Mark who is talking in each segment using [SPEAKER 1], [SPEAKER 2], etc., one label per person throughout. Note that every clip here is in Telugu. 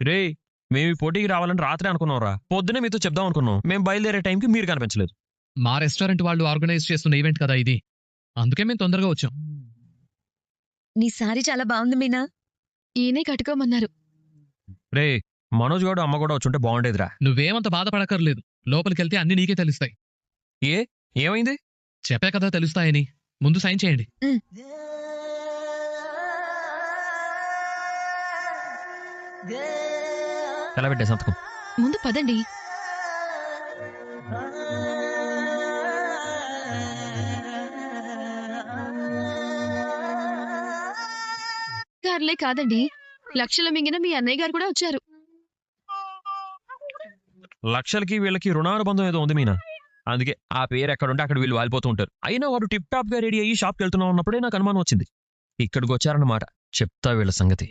[SPEAKER 1] రే మేము ఈ పోటీకి రావాలని రాత్రి అనుకున్నాంరా. పొద్దునే మీతో చెప్దాం అనుకున్నాం. మేము బయలుదేరే టైంకి మీరు కనిపించలేదు.
[SPEAKER 2] మా రెస్టారెంట్ వాళ్ళు ఆర్గనైజ్ చేస్తున్న ఈవెంట్ కదా ఇది, అందుకే మేము తొందరగా వచ్చాం.
[SPEAKER 3] నీ సారీ చాలా బాగుంది మీనా. ఈయనే కట్టుకోమన్నారు.
[SPEAKER 1] రే మనోజ్ గౌడ్ అమ్మ కూడా వచ్చుంటే బాగుండేదిరా.
[SPEAKER 2] నువ్వేమంత బాధపడక్కర్లేదు, లోపలికెళ్తే అన్ని నీకే తెలుస్తాయి.
[SPEAKER 1] ఏమైంది?
[SPEAKER 2] చెప్పే కదా తెలుస్తాయని. ముందు సైన్ చేయండి.
[SPEAKER 1] ఎలా పెట్టే సంతకం?
[SPEAKER 3] ముందు పదండి. గారులే కాదండి, లక్షల మింగిన మీ అన్నయ్య గారు కూడా వచ్చారు.
[SPEAKER 1] లక్షలకి వీళ్ళకి రుణానుబంధం ఏదో ఉంది మీనా. అందుకే ఆ పేరు ఎక్కడుంటే అక్కడ వీళ్ళు వాలిపోతూ ఉంటారు. అయినా వాడు టిప్ టాప్ గా రెడీ అయ్యి షాప్కి వెళ్తున్నా ఉన్నప్పుడే నాకు అనుమానం వచ్చింది. ఇక్కడికి వచ్చారన్నమాట. చెప్తా వీళ్ళ సంగతి.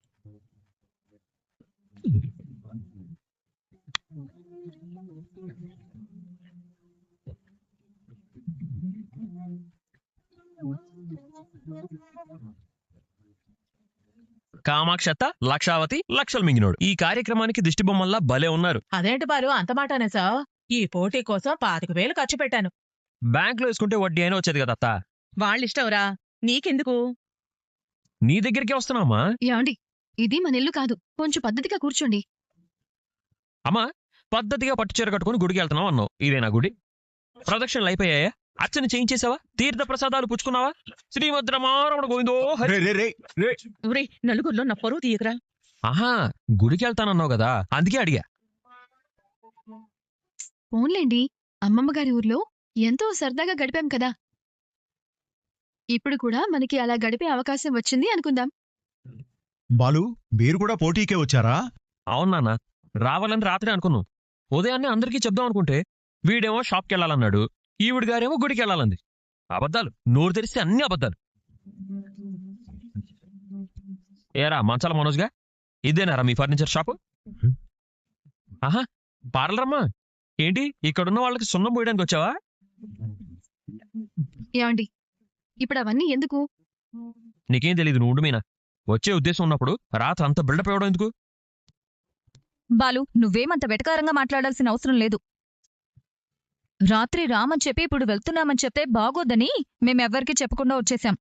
[SPEAKER 1] కామాక్షత, లక్షావతి, లక్షలు మింగినోడు ఈ కార్యక్రమానికి దిష్టి బొమ్మల్లా భలే ఉన్నారు.
[SPEAKER 4] అదేంటి బారు అంత మాటనే సార్? ఈ పోటీ కోసం 25,000 ఖర్చు పెట్టాను.
[SPEAKER 1] బ్యాంక్ లో వేసుకుంటే వడ్డీ అయినా వచ్చేది కదా అత్త.
[SPEAKER 4] వాళ్ళిష్టంరా, నీకెందుకు?
[SPEAKER 1] నీ దగ్గరికే వస్తున్నామా?
[SPEAKER 3] యాండి, ఇది మన ఇల్లు కాదు, కొంచెం పద్ధతిగా కూర్చోండి.
[SPEAKER 1] అమ్మా, పద్ధతిగా పట్టుచీర కట్టుకుని గుడికి వెళ్తున్నావు అన్నావు. ఇదేనా గుడి? ప్రదక్షిణలు అయిపోయాయా? అర్చన చేయించేసావా? తీర్థ ప్రసాదాలు పుచ్చుకున్నావా? శ్రీమద్రమారమణ గోవిందో హరి.
[SPEAKER 4] ఒరే, నలుగురిలో నా పరువు తీయకరా.
[SPEAKER 1] ఆహా, గుడికి వెళ్తానన్నావు కదా, అందుకే అడిగా.
[SPEAKER 3] ఫోన్లేండి, అమ్మమ్మ గారి ఊర్లో ఎంతో సరదాగా గడిపాం కదా. ఇప్పుడు కూడా మనకి అలా గడిపే అవకాశం వచ్చింది అనుకుందాం.
[SPEAKER 5] బాలు, మీరు కూడా పోటీకే వచ్చారా?
[SPEAKER 1] అవును నాన్న, రావాలని రాత్రి అనుకున్నాం. ఉదయాన్నే అందరికీ చెప్దాం అనుకుంటే వీడేమో షాప్కి వెళ్ళాలన్నాడు, ఈవిడ గారేమో గుడికి వెళ్ళాలంది. అబద్ధాలు, నోరు తెరిస్తే అన్ని అబద్ధాలు. ఏరా మంచాల మనోజ్గా, ఇదేనారా మీ ఫర్నిచర్ షాపు? ఆహా, పార్లరమ్మా. ఏంటి ఇక్కడున్న వాళ్ళకి సున్నం పోయడానికి వచ్చావా?
[SPEAKER 3] యాండి, ఇప్పుడు అవన్నీ ఎందుకు?
[SPEAKER 1] నీకేం తెలీదు, నువ్వు ఉండు మీనా. వచ్చే ఉద్దేశం ఉన్నప్పుడు రాత్రి అంత బిల్డప్ ఇవ్వడం ఎందుకు?
[SPEAKER 6] బాలు, నువ్వేమంత వెటకారంగా మాట్లాడాల్సిన అవసరం లేదు. రాత్రి రామని చెప్పి ఇప్పుడు వెళ్తున్నామని చెప్తే బాగోద్దని మేమెవ్వరికీ చెప్పకుండా వచ్చేసాం.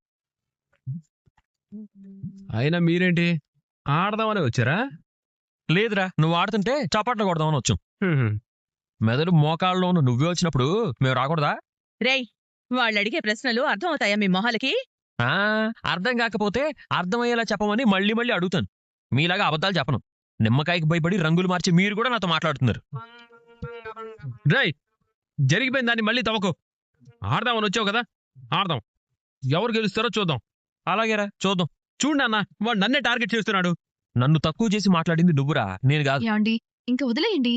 [SPEAKER 7] అయినా మీరేంటి ఆడదామని వచ్చారా?
[SPEAKER 1] లేదురా, నువ్వు ఆడుతుంటే చప్పట్లు కొడదామని వచ్చాం. మెదడు మోకాళ్ళలో ఉన్న నువ్వే వచ్చినప్పుడు మేము రాకూడదా?
[SPEAKER 4] రేయ్, వాళ్ళడిగే ప్రశ్నలు అర్థమవుతాయా మీ మొహాలకి?
[SPEAKER 1] అర్థం కాకపోతే అర్థమయ్యేలా చెప్పమని మళ్ళీ మళ్ళీ అడుగుతాను. మీలాగా అబద్ధాలు చెప్పను. నిమ్మకాయకి భయపడి రంగులు మార్చి మీరు కూడా నాతో మాట్లాడుతున్నారు.
[SPEAKER 7] రైట్, జరిగిపోయిన దాన్ని మళ్ళీ తవ్వకు. ఆడదామని వచ్చావు కదా, ఆడదాం. ఎవరు గెలుస్తారో చూద్దాం.
[SPEAKER 1] అలాగేరా, చూద్దాం.
[SPEAKER 7] చూడు అన్న, వాడు నన్నే టార్గెట్ చేస్తున్నాడు.
[SPEAKER 1] నన్ను తక్కువ చేసి మాట్లాడింది నువ్వురా, నేను కాదు.
[SPEAKER 3] యాండి, ఇంక వదిలేయండి.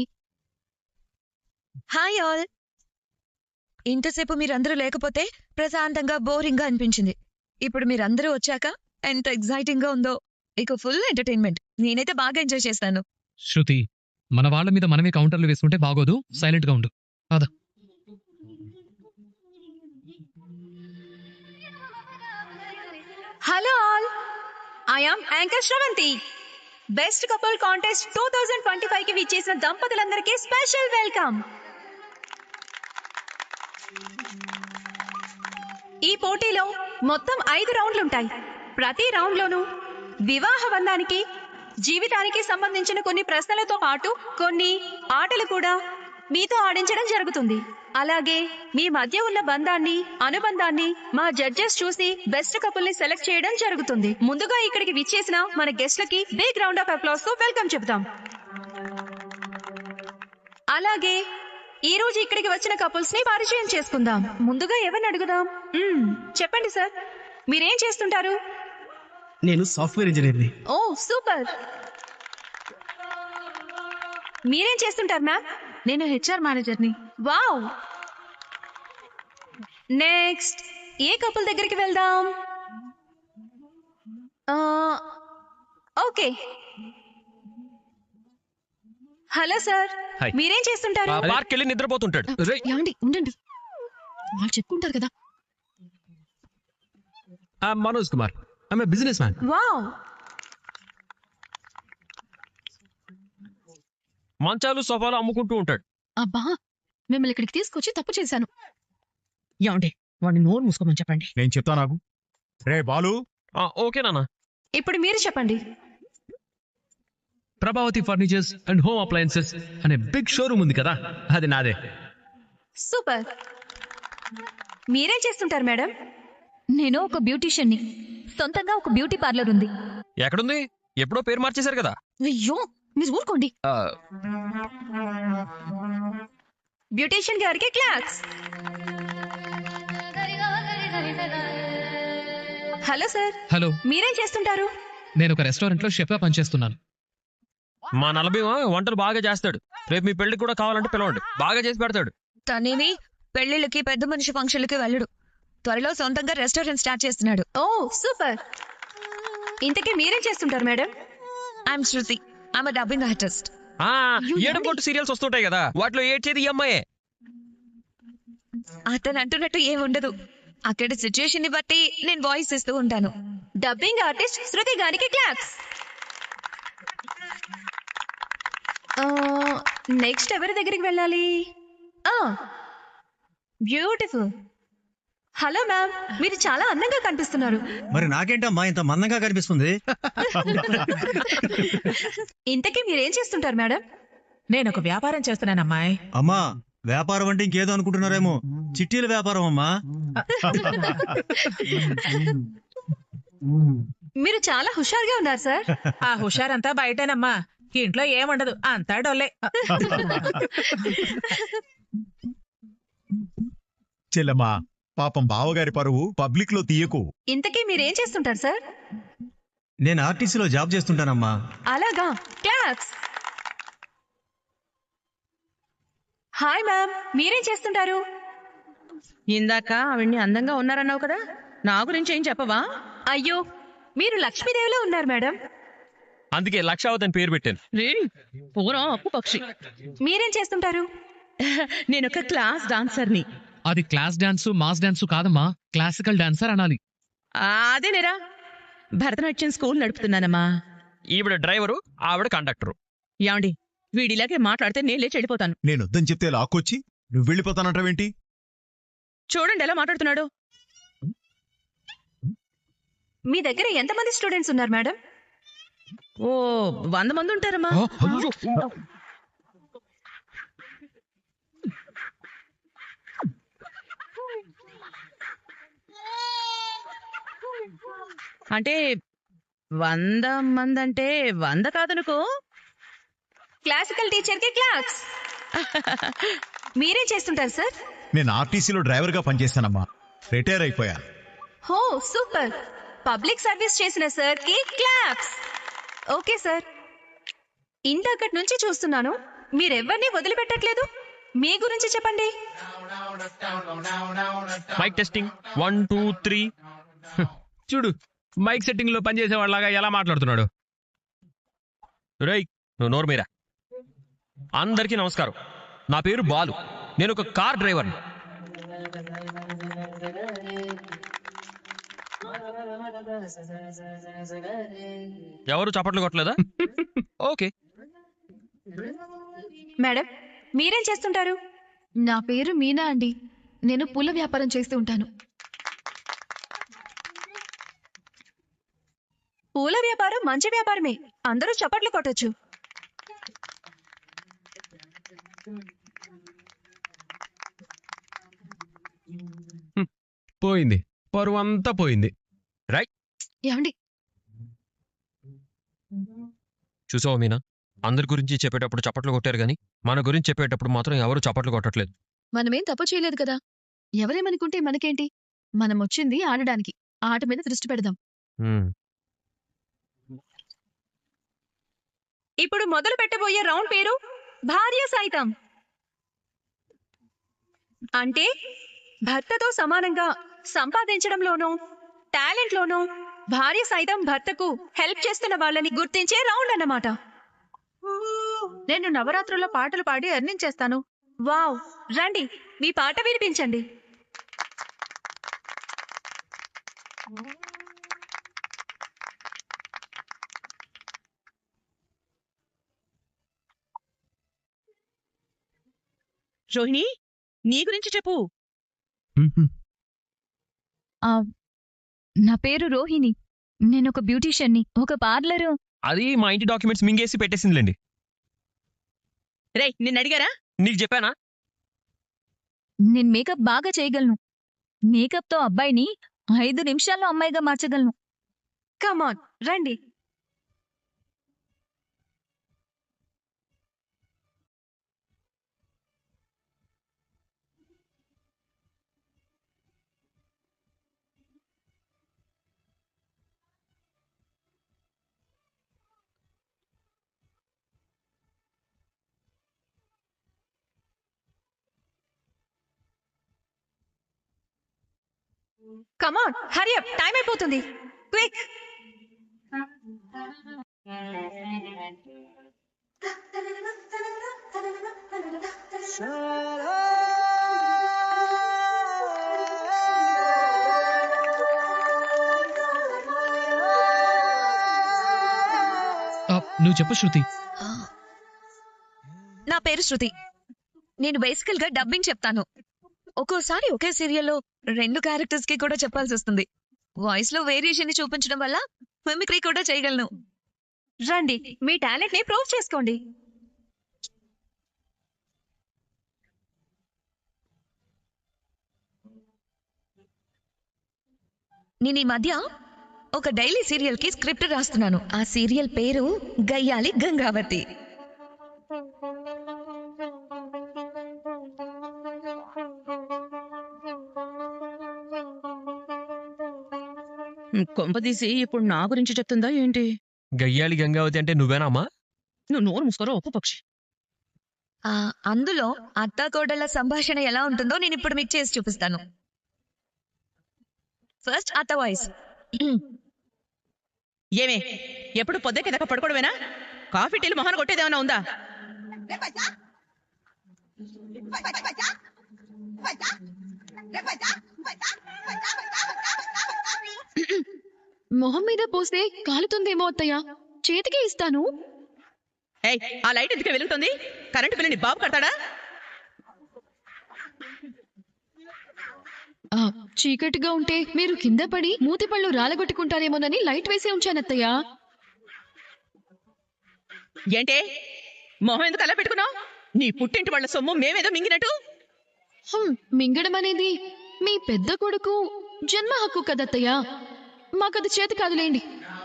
[SPEAKER 6] Hi all. ఇంతసేపు మీరందరూ లేకపోతే ప్రశాంతంగా బోరింగ్గా అనిపించింది. ఇప్పుడు మీరందరూ వచ్చాక ఎంత ఎగ్జైటింగ్ గా ఉందో. ఇక ఫుల్ ఎంటర్టైన్మెంట్. నేనైతే బాగా ఎంజాయ్ చేస్తాను.
[SPEAKER 2] శృతి, మన వాళ్ళ మీద మనమే కౌంటర్లు వేసుకుంటే బాగోదు. సైలెంట్ గా ఉండు. అదా
[SPEAKER 8] hello all, I am anchor Shravanthi. Best couple contest 2025 కి విచ్చేసిన దంపతులందరికీ స్పెషల్ వెల్కమ్. ఈ పోటీలో మొత్తం 5 రౌండ్లుంటాయి. ప్రతి రౌండ్లోనూ వివాహ బంధానికి, జీవితానికి సంబంధించిన కొన్ని ప్రశ్నలతో పాటు కొన్ని ఆటలు కూడా మీతో ఆడించడం జరుగుతుంది. అలాగే మీ మధ్య ఉన్న బంధాన్ని, అనుబంధాన్ని మా జడ్జెస్ చూసి బెస్ట్ కపుల్ ని సెలెక్ట్ చేయడం జరుగుతుంది. ముందుగా ఇక్కడికి విచ్చేసిన మన గెస్ట్లకి బిగ్ రౌండ్ ఆఫ్ అప్లాస్ తో వెల్కమ్ చెప్తాం. అలాగే ఈ రోజు ఇక్కడికి వచ్చిన కపుల్స్ ని పరిచయం చేసుకుందాం. ముందుగా ఎవరిని అడుగుదాం? చెప్పండి సార్, మీరేం చేస్తుంటారు?
[SPEAKER 9] నేను సాఫ్ట్వేర్ ఇంజనీర్ని.
[SPEAKER 8] ఓ సూపర్. మీరేం చేస్తుంటారు మ్యామ్?
[SPEAKER 3] నేను హెచ్ఆర్ మేనేజర్ని.
[SPEAKER 8] వావ్. నెక్స్ట్ ఏ కపుల్ దగ్గరికి వెళ్దాం? ఓకే. Hello sir,
[SPEAKER 1] hi.
[SPEAKER 8] మీరేం చేస్తుంటారు?
[SPEAKER 1] పార్క్ వెళ్ళి నిద్రపోతుంటాడు.
[SPEAKER 3] యాండి, ఉండండి, వాళ్ళు చెప్పుకుంటారు కదా.
[SPEAKER 7] Manoj Kumar, I'm a businessman.
[SPEAKER 8] Wow.
[SPEAKER 1] మంచాలు సోఫాలు అమ్ముకుంటూ ఉంటాడు.
[SPEAKER 3] అబ్బా మిమ్మల్ని ఇక్కడికి తీసుకొచ్చి తప్పు చేశాను.
[SPEAKER 4] ఏమండి వాడిని నోరు మూసుకోమని చెప్పండి.
[SPEAKER 5] నేను చెప్తా నాకు. రే బాలు,
[SPEAKER 1] ఓకే నాన్న.
[SPEAKER 8] ఇప్పుడు మీరు చెప్పండి.
[SPEAKER 7] Prabhavathi furnitures and home appliances అనే బిగ్ షోరూమ్ ఉంది కదా, అది నాదే.
[SPEAKER 8] సూపర్. మీరేం చేస్తుంటారు మేడం?
[SPEAKER 6] నేను ఒక బ్యూటీషియన్ని. సొంతంగా ఒక బ్యూటీ పార్లర్ ఉంది.
[SPEAKER 1] ఎక్కడుంది? ఎప్పుడో పేరు మార్చేశారు కదా.
[SPEAKER 3] అయ్యో మీరు ఊరుకోండి.
[SPEAKER 8] బ్యూటీషియన్ గారికి క్లాస్. హలో సార్,
[SPEAKER 2] హలో,
[SPEAKER 8] మీరేం చేస్తుంటారు?
[SPEAKER 2] నేను ఒక రెస్టారెంట్ లో షెఫ్ గా పనిచేస్తున్నాను.
[SPEAKER 1] మా నలభీమ వంటలు బాగా చేస్తాడు. రేపు మీ పెళ్లికి కూడా కావాలంటే పిలవండి, బాగా చేసి పెడతాడు.
[SPEAKER 6] తనేమి పెళ్లిళ్ళకి పెద్ద మనిషి ఫంక్షన్లకి వెళ్ళడు. త్వరలో సొంతంగా రెస్టారెంట్ స్టార్ట్ చేస్తున్నాడు.
[SPEAKER 8] Oh super. ఇంతకీ మీరేం చేస్తుంటారు madam?
[SPEAKER 6] I'm Shruti. I'm dubbing artist.
[SPEAKER 1] ఏడుకొట్టు సీరియల్స్ వస్తుంటాయి కదా, వాటిలో ఏడ్చేది ఈ అమ్మాయే.
[SPEAKER 6] అతను అంటున్నట్టు ఏముండదు. అక్కడి సిచ్యుయేషన్ ని బట్టి నేను వాయిస్ ఇస్తూ ఉంటాను.
[SPEAKER 8] డబ్బింగ్ ఆర్టిస్ట్ శృతి గారికి క్లాస్. నెక్స్ట్ ఎవరి దగ్గరికి వెళ్ళాలి? బ్యూటిఫుల్. హలో మ్యామ్, మీరు చాలా అందంగా కనిపిస్తున్నారు.
[SPEAKER 9] మరి నాకేంటమ్మా ఇంత మందంగా కనిపిస్తుంది?
[SPEAKER 8] ఇంతకీ మీరేం చేస్తుంటారు మేడం?
[SPEAKER 4] నేను ఒక వ్యాపారం చేస్తున్నానమ్మాయి.
[SPEAKER 9] అమ్మా వ్యాపారం అంటే ఇంకేదో అనుకుంటున్నారేమో. చిట్టీల వ్యాపారం అమ్మా.
[SPEAKER 8] మీరు చాలా హుషారుగా ఉన్నారు సార్.
[SPEAKER 4] ఆ హుషారంతా బయటేనమ్మా, ఇంట్లో ఏముండదు, అంతా డొల్లే.
[SPEAKER 5] చెల్లమ్మా, పాపం బావగారి పరువు పబ్లిక్ లో తీయకు.
[SPEAKER 8] ఇంతకీ మీరేం చేస్తుంటారు సార్?
[SPEAKER 9] నేను ఆర్టీసీలో జాబ్ చేస్తుంటానమ్మా.
[SPEAKER 8] అలాగా, క్లాస్. హాయ్ మ్యామ్, మీరేం చేస్తుంటారు?
[SPEAKER 4] ఇందాక ఆవిడ్ని అందంగా ఉన్నారన్నావు కదా, నా గురించి ఏం చెప్పవా?
[SPEAKER 8] అయ్యో, మీరు లక్ష్మీదేవిలో ఉన్నారు మేడం.
[SPEAKER 1] అందుకే లక్షావతి అని పేరు పెట్టాను.
[SPEAKER 4] పూర్వం అప్పు పక్షి.
[SPEAKER 8] మీరేం చేస్తుంటారు?
[SPEAKER 4] నేను ఒక క్లాస్ డాన్సర్ని.
[SPEAKER 2] అది క్లాస్ డాన్సు మాస్ డాన్సు కాదమ్మా, క్లాసికల్ డాన్సర్ అనాలి.
[SPEAKER 4] అదేనేరా, భరతనాట్యం స్కూల్ నడుపుతున్నానమ్మా.
[SPEAKER 1] ఈవిడ డ్రైవరు, ఆవిడ కండక్టరు.
[SPEAKER 4] ఏమండి, వీడిలాగే మాట్లాడితే నేను లేచి వెళ్ళిపోతాను.
[SPEAKER 5] నేను వద్దని చెప్తే లాక్కొచ్చి నువ్వు వెళ్ళిపోతానంటావేంటి?
[SPEAKER 4] చూడండి ఎలా మాట్లాడుతున్నాడు.
[SPEAKER 8] మీ దగ్గర ఎంతమంది స్టూడెంట్స్ ఉన్నారు మేడం?
[SPEAKER 4] ఓ 100 మంది ఉంటారమ్మా. అంటే 100 మంది అంటే 100 కాదనుకో.
[SPEAKER 8] క్లాసికల్ టీచర్ కి క్లాస్. మీరేం చేస్తుంటారు సార్?
[SPEAKER 5] నేను ఆర్టీసీలో డ్రైవర్ గా పనిచేస్తానమ్మా. రిటైర్ అయిపోయా.
[SPEAKER 8] హో సూపర్. పబ్లిక్ సర్వీస్ చేసిన సార్ కి క్లాప్స్. ఓకే సార్, ఇంతకటి నుంచి చూస్తున్నాను మీరెవ్వరిని వదిలిపెట్టట్లేదు. మీ గురించి చెప్పండి.
[SPEAKER 1] Mike testing 1 2 3.
[SPEAKER 7] చూడు, మైక్ సెట్టింగ్ లో పనిచేసే వాళ్ళగా ఎలా మాట్లాడుతున్నాడు.
[SPEAKER 1] రేయ్, నువ్వు నోరు మీరా. అందరికీ నమస్కారం. నా పేరు బాలు. నేను ఒక కార్ డ్రైవర్ని. ఎవరు చప్పట్లు కొట్టలేదా? ఓకే.
[SPEAKER 8] మేడం, మీరేం చేస్తుంటారు?
[SPEAKER 3] నా పేరు మీనా అండి. నేను పూల వ్యాపారం చేస్తూ ఉంటాను.
[SPEAKER 8] పూల వ్యాపారం మంచి వ్యాపారమే, అందరూ చప్పట్లు కొట్టొచ్చు.
[SPEAKER 7] పోయింది, పరువు అంతా పోయింది.
[SPEAKER 3] ఏమండి,
[SPEAKER 1] చూసావా మీనా, అందరి గురించి చెప్పేటప్పుడు చప్పట్లు కొట్టారు కానీ మన గురించి చెప్పేటప్పుడు మాత్రం ఎవరు చప్పట్లు కొట్టట్లేదు.
[SPEAKER 3] మనమేం తప్పు చేయలేదు కదా. ఎవరేమనుకుంటే మనకేంటి? మనం వచ్చింది ఆడడానికి. ఆట మీద దృష్టి పెడదాం.
[SPEAKER 8] ఇప్పుడు మొదలు పెట్టబోయే రౌండ్ పేరు భార్య సైతం. అంటే భర్తతో సమానంగా సంపాదించడంలోనూ టాలెంట్లోనూ భార్య సైతం భర్తకు హెల్ప్ చేస్తున్న వాళ్ళని గుర్తించే రౌండ్ అన్నమాట.
[SPEAKER 4] నేను నవరాత్రుల్లో పాటలు పాడి ఎర్నింగ్ చేస్తాను.
[SPEAKER 8] వావ్, రండి మీ పాట వినిపించండి.
[SPEAKER 4] రోహిణి నీ గురించి చెప్పు.
[SPEAKER 6] నా పేరు రోహిణి. నేను ఒక బ్యూటీషియన్ని, ఒక పార్లరు.
[SPEAKER 1] అది మా ఇంటి డాక్యుమెంట్స్ మింగేసి పెట్టేసిందిలేండి.
[SPEAKER 4] రేయ్ నిన్ను అడిగారా?
[SPEAKER 1] నీకు చెప్పానా?
[SPEAKER 6] నేను మేకప్ బాగా చేయగలను. మేకప్తో అబ్బాయిని 5 నిమిషాల్లో అమ్మాయిగా మార్చగలను.
[SPEAKER 8] కమాన్ రండి. కమాన్ హరి అప్, టైం అయిపోతుంది. క్విక్.
[SPEAKER 2] నువ్వు చెప్పు శృతి.
[SPEAKER 6] నా పేరు శృతి. నేను బేసికల్ గా డబ్బింగ్ చెప్తాను. ఒక్కోసారి ఒకే సీరియల్లో 2 క్యారెక్టర్స్ కి కూడా చెప్పాల్సి వస్తుంది. వాయిస్ లో వేరియేషన్ ని చూపించడం వల్ల మిమిక్రీ కూడా చేయగలను.
[SPEAKER 8] రండి, మీ టాలెంట్ ని ప్రూవ్ చేసుకోండి.
[SPEAKER 6] నేను ఈ మధ్య ఒక డైలీ సీరియల్ కి స్క్రిప్ట్ రాస్తున్నాను. ఆ సీరియల్ పేరు గయ్యాలి గంగావతి.
[SPEAKER 4] కొంపదీసి ఇప్పుడు నా గురించి చెప్తుందా ఏంటి?
[SPEAKER 1] గయ్యాళి గంగావతి అంటే నువ్వేనా అమ్మా?
[SPEAKER 4] నువ్వు నోరు మూసుకోరా ఒప్పు పక్షి.
[SPEAKER 6] అందులో అత్తాకోడళ్ళ సంభాషణ ఎలా ఉంటుందో నేను ఇప్పుడు మీకు చేసి చూపిస్తాను. ఫస్ట్ అత్త వాయిస్.
[SPEAKER 4] ఏమే ఎప్పుడు పొద్దుకే దాకా పడుకోవడమేనా? కాఫీ టీలు మొహన కొట్టేదేమన్నా ఉందా?
[SPEAKER 3] మొహం మీద పోస్తే కాలుతుందేమో అత్తయ్య, చేతికి ఇస్తాను.
[SPEAKER 4] ఏయ్ ఆ లైట్ ఎందుకే వెలుగుతుంది? కరెంటు బిల్లుని బాబు కడతాడా?
[SPEAKER 3] చీకటిగా ఉంటే మీరు కింద పడి మూతి పళ్ళు రాలగొట్టుకుంటారేమోనని లైట్ వేసే ఉంచాను అత్తయ్య.
[SPEAKER 4] ఏంటే మొహం ఎందుకు అలా పెట్టుకున్నావు? నీ పుట్టింటి వాళ్ళ సొమ్ము మేమేదో మింగినట్టు.
[SPEAKER 3] మింగడం అనేది మీ పెద్ద కొడుకు జన్మ హక్కు కదత్తయ్య, మాకది చేతి కాదులేండి.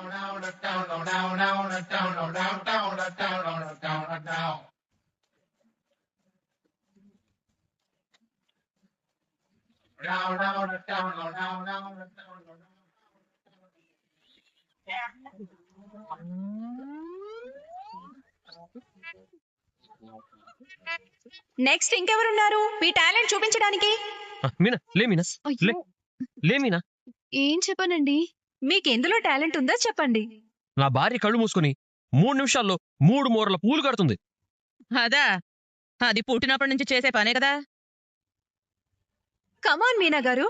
[SPEAKER 8] నెక్స్ట్ ఇంకెవరున్నారు మీ టాలెంట్ చూపించడానికి?
[SPEAKER 1] మీనా లే, మీనా లే, లే మీనా.
[SPEAKER 3] ఏం చెప్పనండి?
[SPEAKER 8] మీకెందులో టాలెంట్ ఉందో చెప్పండి.
[SPEAKER 1] నా భార్య కళ్ళు మూసుకొని 3 నిమిషాల్లో 3 మూరల పూలు కడుతుంది.
[SPEAKER 4] అదా అది పుట్టినప్పటి నుంచి చేసే పనే కదా.
[SPEAKER 8] కమాన్ మీనా గారు.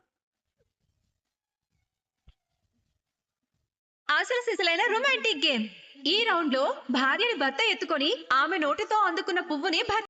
[SPEAKER 8] అసలు సిసలైన రొమాంటిక్ గేమ్. ఈ రౌండ్ లో భార్యని భర్త ఎత్తుకొని ఆమె నోటితో అందుకున్న పువ్వుని